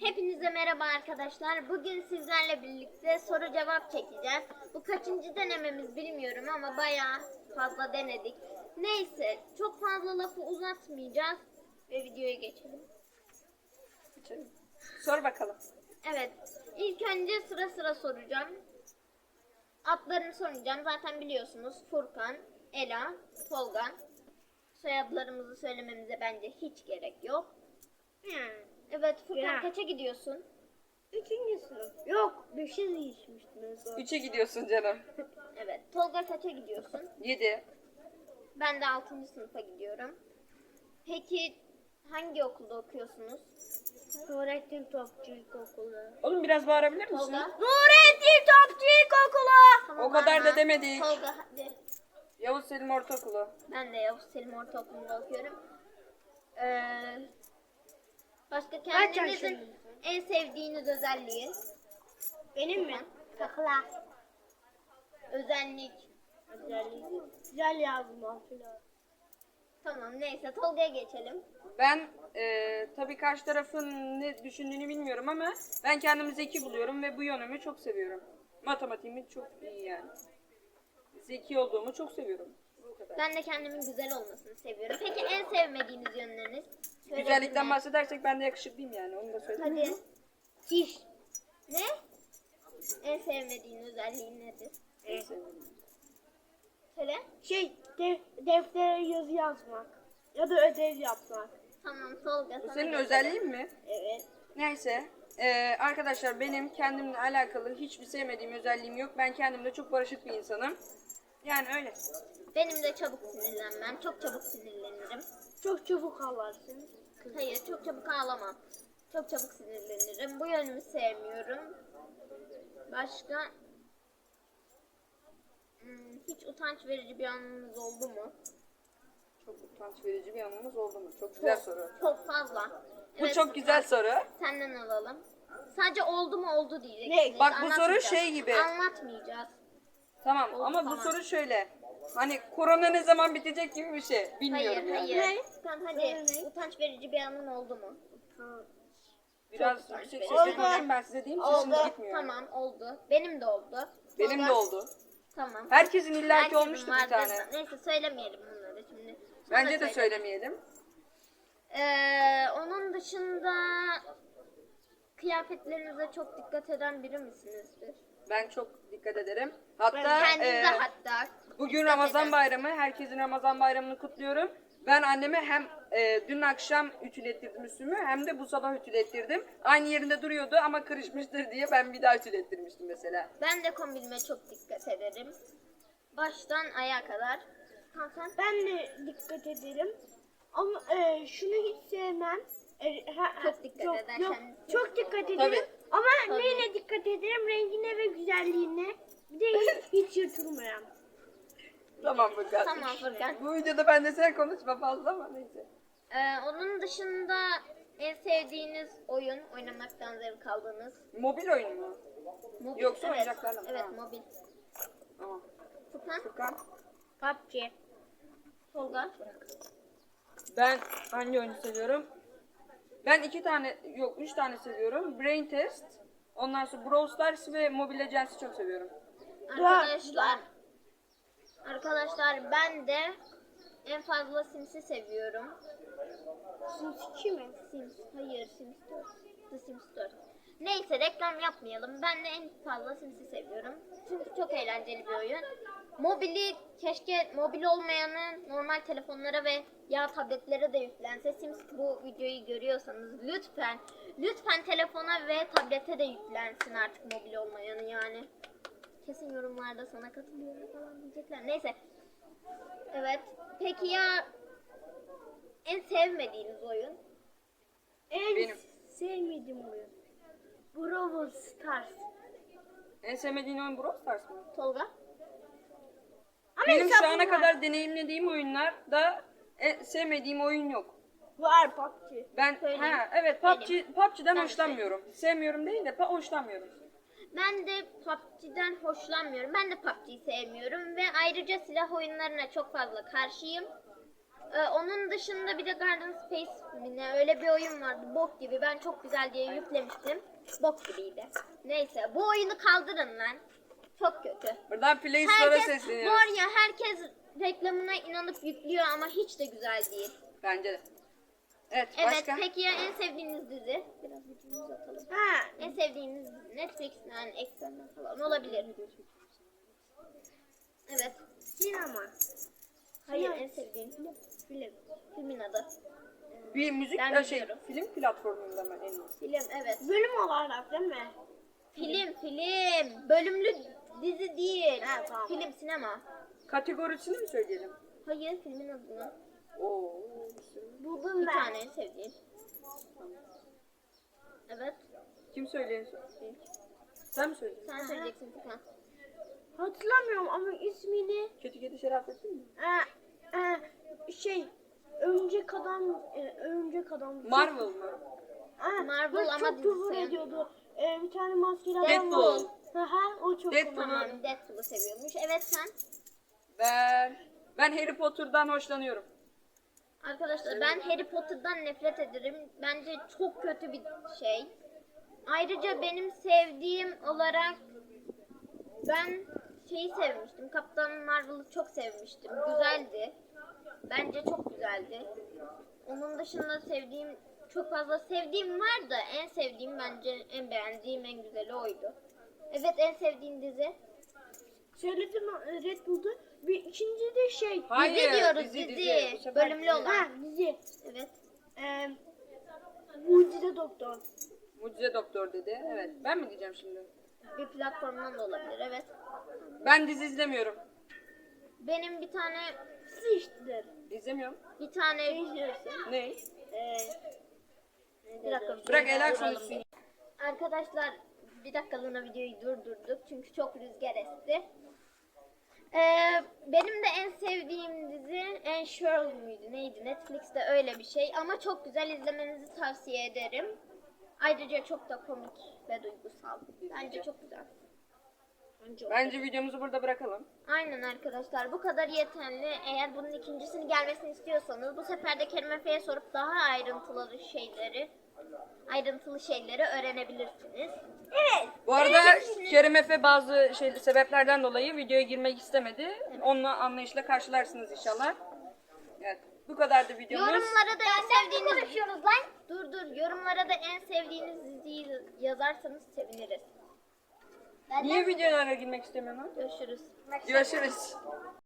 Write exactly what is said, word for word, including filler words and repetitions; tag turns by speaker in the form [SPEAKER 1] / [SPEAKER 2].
[SPEAKER 1] Hepinize merhaba arkadaşlar. Bugün sizlerle birlikte soru cevap çekeceğiz. Bu kaçıncı denememiz bilmiyorum ama bayağı fazla denedik. Neyse, çok fazla lafı uzatmayacağız ve videoya geçelim.
[SPEAKER 2] Geçelim. Sor bakalım.
[SPEAKER 1] Evet, ilk önce sıra sıra soracağım. Adlarını soracağım. Zaten biliyorsunuz Furkan, Ela, Tolga. Soyadlarımızı söylememize bence hiç gerek yok. Evet, Furkan
[SPEAKER 3] Ya.
[SPEAKER 1] kaça gidiyorsun?
[SPEAKER 3] Üçüncü sınıf. Yok, beşe değişmiştim en son.
[SPEAKER 2] Üçe gidiyorsun canım.
[SPEAKER 1] Evet, Tolga kaça gidiyorsun?
[SPEAKER 2] Yedi.
[SPEAKER 1] Ben de altıncı sınıfa gidiyorum. Peki hangi okulda okuyorsunuz?
[SPEAKER 3] Nurettin Topçu İlkokulu.
[SPEAKER 2] Oğlum biraz bağırabilir misin?
[SPEAKER 1] Tolga.
[SPEAKER 3] Nurettin Topçu İlkokulu.
[SPEAKER 1] Tamam,
[SPEAKER 2] O kadar
[SPEAKER 1] bağırma.
[SPEAKER 2] da demedik.
[SPEAKER 1] Tolga hadi.
[SPEAKER 2] Yavuz Selim Ortaokulu.
[SPEAKER 1] Ben de Yavuz Selim Ortaokulu'nda okuyorum. Ee, başka kendinizin
[SPEAKER 3] yaşındasın?
[SPEAKER 1] en sevdiğiniz özelliği?
[SPEAKER 3] Benim mi?
[SPEAKER 1] Takla. Özellik.
[SPEAKER 3] Özelliği. Güzel yazma filan.
[SPEAKER 1] Tamam neyse Tolga'ya geçelim.
[SPEAKER 2] Ben e, tabii karşı tarafın ne düşündüğünü bilmiyorum ama ben kendimi zeki buluyorum ve bu yönümü çok seviyorum. Matematiğimi çok iyi yani. Zeki olduğumu çok seviyorum. Bu kadar.
[SPEAKER 1] Ben de kendimin güzel olmasını seviyorum. Peki en sevmediğiniz yönleriniz? Söyleyebilir
[SPEAKER 2] Güzellikten
[SPEAKER 1] miyim?
[SPEAKER 2] bahsedersek ben de yakışıklıyım yani. Onu da söyleyeyim.
[SPEAKER 1] Hadi.
[SPEAKER 3] Diş.
[SPEAKER 1] Ne? En sevmediğin özelliğin nedir?
[SPEAKER 2] En sevdiğim.
[SPEAKER 1] Söyle.
[SPEAKER 3] Şey, def deftere yazı yazmak. Ya da ödev yapmak.
[SPEAKER 1] Tamam Tolga.
[SPEAKER 2] Bu
[SPEAKER 1] sana
[SPEAKER 2] senin
[SPEAKER 1] geçelim.
[SPEAKER 2] özelliğin mi?
[SPEAKER 3] Evet.
[SPEAKER 2] Neyse. Ee, arkadaşlar benim kendimle alakalı hiçbir sevmediğim özelliğim yok. Ben kendimle çok barışık bir insanım. Yani öyle.
[SPEAKER 1] Benim de çabuk sinirlenmem. Çok çabuk sinirlenirim.
[SPEAKER 3] Çok çabuk ağlarsın.
[SPEAKER 1] Hayır çok çabuk ağlamam. Çok çabuk sinirlenirim. Bu yönümü sevmiyorum. Başka? Hmm, hiç utanç verici bir anınız oldu mu?
[SPEAKER 2] Çok utanç verici bir anımız oldu mu? Çok güzel soru.
[SPEAKER 1] Çok fazla.
[SPEAKER 2] Bu
[SPEAKER 1] Evet,
[SPEAKER 2] çok güzel soru.
[SPEAKER 1] Senden alalım. Sadece oldu mu oldu diyeceksiniz.
[SPEAKER 2] Ne? Bak bu soru
[SPEAKER 1] Anlatmayacağız.
[SPEAKER 2] şey gibi.
[SPEAKER 1] Anlatmayacağız.
[SPEAKER 2] Tamam
[SPEAKER 1] Oldu,
[SPEAKER 2] ama bu
[SPEAKER 1] tamam.
[SPEAKER 2] soru şöyle. Hani korona ne zaman bitecek gibi bir şey. Bilmiyorum
[SPEAKER 1] Hayır
[SPEAKER 2] yani.
[SPEAKER 1] hayır. Tamam hadi.
[SPEAKER 3] Ne?
[SPEAKER 1] Utanç verici bir anın oldu mu?
[SPEAKER 3] Tamam.
[SPEAKER 2] Biraz
[SPEAKER 1] Çok
[SPEAKER 2] yüksek
[SPEAKER 1] utanç
[SPEAKER 2] sesle
[SPEAKER 1] verici.
[SPEAKER 2] konuşayım ben size diyeyim. Sesiniz
[SPEAKER 1] Oldu.
[SPEAKER 2] gitmiyor.
[SPEAKER 1] Tamam oldu. Benim de oldu.
[SPEAKER 2] Benim
[SPEAKER 1] Tolga-
[SPEAKER 2] de oldu.
[SPEAKER 1] Tamam.
[SPEAKER 2] Herkesin illaki
[SPEAKER 1] Herkesin
[SPEAKER 2] olmuştu bir
[SPEAKER 1] vardır.
[SPEAKER 2] tane.
[SPEAKER 1] Neyse söylemeyelim bunları şimdi. Sonra
[SPEAKER 2] Bence de
[SPEAKER 1] söyle.
[SPEAKER 2] söylemeyelim.
[SPEAKER 1] Ee, onun dışında kıyafetlerinize çok dikkat eden biri misinizdir?
[SPEAKER 2] Ben çok dikkat ederim. Hatta
[SPEAKER 1] Kendinize
[SPEAKER 2] e,
[SPEAKER 1] hatta.
[SPEAKER 2] bugün
[SPEAKER 1] dikkat
[SPEAKER 2] Ramazan
[SPEAKER 1] eden.
[SPEAKER 2] bayramı. Herkesin Ramazan bayramını kutluyorum. Ben anneme hem e, dün akşam ütülettirdim üstümü hem de bu sabah ütülettirdim. Aynı yerinde duruyordu ama kırışmıştır diye ben bir daha ütülettirmiştim mesela.
[SPEAKER 1] Ben de kombinime çok dikkat ederim. Baştan ayağa kadar. Tamam sen?
[SPEAKER 3] Ben de dikkat ederim. Ama e, şunu hiç sevmem. E, ha-
[SPEAKER 1] Çok dikkat
[SPEAKER 3] yok,
[SPEAKER 1] eder
[SPEAKER 3] yok,
[SPEAKER 1] kendisi.
[SPEAKER 3] Çok dikkat ederim.
[SPEAKER 2] Tabii.
[SPEAKER 3] Ama
[SPEAKER 1] Tabii.
[SPEAKER 3] neyine dikkat ederim? Rengine ve güzelliğine. Bir de hiç, hiç yırtılmayan.
[SPEAKER 2] Tamam Furkan.
[SPEAKER 1] Tamam Furkan.
[SPEAKER 2] Bu videoda ben de sen konuşma fazla ama neyse.
[SPEAKER 1] Ee, onun dışında en sevdiğiniz oyun, oynamaktan zevk aldığınız?
[SPEAKER 2] Mobil oyun mu?
[SPEAKER 1] Mobil.
[SPEAKER 2] Yoksa
[SPEAKER 1] evet.
[SPEAKER 2] oyuncaklarla mı?
[SPEAKER 1] Evet
[SPEAKER 2] Ha.
[SPEAKER 1] mobil.
[SPEAKER 2] Tamam.
[SPEAKER 1] Furkan,
[SPEAKER 2] Furkan.
[SPEAKER 3] P U B G.
[SPEAKER 1] Tolga.
[SPEAKER 2] Ben hangi oyunu seviyorum? Ben iki tane, yok üç tane seviyorum. Brain Test, ondan sonra Brawl Stars ve Mobile Legends'i çok seviyorum.
[SPEAKER 1] Arkadaşlar. Arkadaşlar ben de en fazla Sims'i seviyorum.
[SPEAKER 3] Sims iki mi?
[SPEAKER 1] Sims, hayır Sims dört. The Sims dört. Neyse reklam yapmayalım. Ben de en fazla Sims'i seviyorum. Çünkü çok eğlenceli bir oyun. Mobili keşke mobil olmayanı normal telefonlara ve ya tabletlere de yüklense. Sims bu videoyu görüyorsanız lütfen lütfen telefona ve tablete de yüklensin artık mobil olmayanı yani. Kesin yorumlarda sana katılıyorum falan diyecekler. Neyse. Evet. Peki ya en sevmediğiniz oyun?
[SPEAKER 3] En
[SPEAKER 2] Benim.
[SPEAKER 3] sevmediğim oyun. Brawl Stars.
[SPEAKER 2] En sevmediğin oyun Brawl Stars mı?
[SPEAKER 1] Tolga?
[SPEAKER 3] Ama
[SPEAKER 2] Benim şu
[SPEAKER 3] hesabım
[SPEAKER 2] ana
[SPEAKER 3] var.
[SPEAKER 2] kadar deneyimlediğim oyunlarda en sevmediğim oyun yok.
[SPEAKER 3] Var P U B G.
[SPEAKER 2] Ben
[SPEAKER 1] Söyleyeyim.
[SPEAKER 2] ha evet P U B G P U B G'den
[SPEAKER 1] Ben
[SPEAKER 2] hoşlanmıyorum. Sevmiyorum değil de pa- hoşlanmıyorum.
[SPEAKER 1] Ben de P U B G'den hoşlanmıyorum. Ben de P U B G'yi sevmiyorum ve ayrıca silah oyunlarına çok fazla karşıyım. Ee, onun dışında bir de Garden Space mi ne öyle bir oyun vardı. Bok gibi. Ben çok güzel diye yüklemiştim. Bok gibiydi. Neyse bu oyunu kaldırın lan. Çok kötü.
[SPEAKER 2] Buradan Play Store'a
[SPEAKER 1] Herkes
[SPEAKER 2] sesleniyoruz.
[SPEAKER 1] var ya herkes reklamına inanıp yüklüyor ama hiç de güzel değil.
[SPEAKER 2] Bence de. Evet,
[SPEAKER 1] Evet
[SPEAKER 2] başka?
[SPEAKER 1] peki ya en sevdiğiniz dizi? Biraz videomuzu uzatalım.
[SPEAKER 3] Ha,
[SPEAKER 1] En sevdiğiniz dizi Netflix'ten, Exxon'dan falan olabilir. Evet.
[SPEAKER 3] sinema.
[SPEAKER 1] Hayır
[SPEAKER 3] Sinema.
[SPEAKER 1] en sevdiğin film.
[SPEAKER 3] Film.
[SPEAKER 1] Filmin adı.
[SPEAKER 2] Bir müzik
[SPEAKER 1] Ben
[SPEAKER 2] ya şey,
[SPEAKER 1] biliyorum.
[SPEAKER 2] film platformunda mı en iyisi?
[SPEAKER 1] Film evet.
[SPEAKER 3] Bölüm olarak değil mi?
[SPEAKER 1] Film film. Bölümlü dizi değil.
[SPEAKER 3] Ha, tamam.
[SPEAKER 1] Film sinema.
[SPEAKER 2] Kategorisini mi söyleyelim?
[SPEAKER 1] Hayır filmin adını.
[SPEAKER 2] Oo.
[SPEAKER 3] Buldum
[SPEAKER 1] Bir
[SPEAKER 3] ben.
[SPEAKER 1] tane en sevdiğin. Evet.
[SPEAKER 2] Kim söylüyor? Sen mi söylüyorsun?
[SPEAKER 1] Sen söyleyeceksin Furkan.
[SPEAKER 3] Hatırlamıyorum ama ismini
[SPEAKER 2] Kötü Kedi Şerafettin mi?
[SPEAKER 3] e, e, şey örümcek adam e, örümcek adam.
[SPEAKER 2] Marvel mı?
[SPEAKER 3] Ha,
[SPEAKER 1] Marvel
[SPEAKER 3] böyle
[SPEAKER 1] ama
[SPEAKER 3] çok küfür
[SPEAKER 1] dizisi.
[SPEAKER 3] ediyordu. E, bir tane maskeli adam
[SPEAKER 2] Deadpool.
[SPEAKER 3] var. Hı hı, o çok
[SPEAKER 2] Deadpool.
[SPEAKER 3] komik.
[SPEAKER 1] Tamam Deadpool'u seviyormuş. Evet sen.
[SPEAKER 2] Ben ben Harry Potter'dan hoşlanıyorum.
[SPEAKER 1] Arkadaşlar ben Harry Potter'dan nefret ederim. Bence çok kötü bir şey. Ayrıca benim sevdiğim olarak ben şeyi sevmiştim. Kaptan Marvel'ı çok sevmiştim. Güzeldi. Bence çok güzeldi. Onun dışında sevdiğim çok fazla sevdiğim var da en sevdiğim bence en beğendiğim en güzeli oydu. Evet en sevdiğin dizi.
[SPEAKER 3] Söyledim e, Red Bull'du. Bir ikinci de şey.
[SPEAKER 2] Hayır,
[SPEAKER 1] dizi diyoruz
[SPEAKER 2] dizi,
[SPEAKER 1] dizi.
[SPEAKER 2] dizi. Bu sefer
[SPEAKER 1] Bölümlü
[SPEAKER 2] dizi.
[SPEAKER 1] olan.
[SPEAKER 3] Ha, dizi.
[SPEAKER 1] Evet.
[SPEAKER 3] E, Mucize Doktor.
[SPEAKER 2] Mucize Doktor dedi. Evet. Ben mi diyeceğim şimdi?
[SPEAKER 1] Bir platformdan da olabilir evet.
[SPEAKER 2] Ben dizi izlemiyorum.
[SPEAKER 1] Benim bir tane
[SPEAKER 3] Sıçtır.
[SPEAKER 2] İzlemiyorum.
[SPEAKER 1] bir tane
[SPEAKER 2] Ne?
[SPEAKER 3] E,
[SPEAKER 1] bir dakika.
[SPEAKER 2] Bırak Ela
[SPEAKER 1] Duralım
[SPEAKER 2] konuşsun.
[SPEAKER 1] bir. Arkadaşlar bir dakikalığına videoyu durdurduk çünkü çok rüzgar esti. Ee, benim de en sevdiğim dizi Ensure muydu neydi Netflix'te öyle bir şey ama çok güzel izlemenizi tavsiye ederim. Ayrıca çok da komik ve duygusal. Bence çok güzel. Bence,
[SPEAKER 2] Bence videomuzu burada bırakalım.
[SPEAKER 1] Aynen arkadaşlar bu kadar yeterli. Eğer bunun ikincisini gelmesini istiyorsanız bu sefer de Kerim Efe'ye sorup daha ayrıntılı şeyleri ayrıntılı şeyleri öğrenebilirsiniz. Evet.
[SPEAKER 2] Bu arada Kerim Efe bazı şey, sebeplerden dolayı videoya girmek istemedi. Onunla anlayışla karşılarsınız inşallah. Evet. Bu kadardı videomuz.
[SPEAKER 1] Yorumlara da en sevdiğiniz konuşuyoruz lan. Dur dur. Yorumlara da en sevdiğiniz diziyi yazarsanız seviniriz.
[SPEAKER 2] Niye videolara girmek istemiyorsun?
[SPEAKER 1] Görüşürüz.
[SPEAKER 2] Görüşürüz.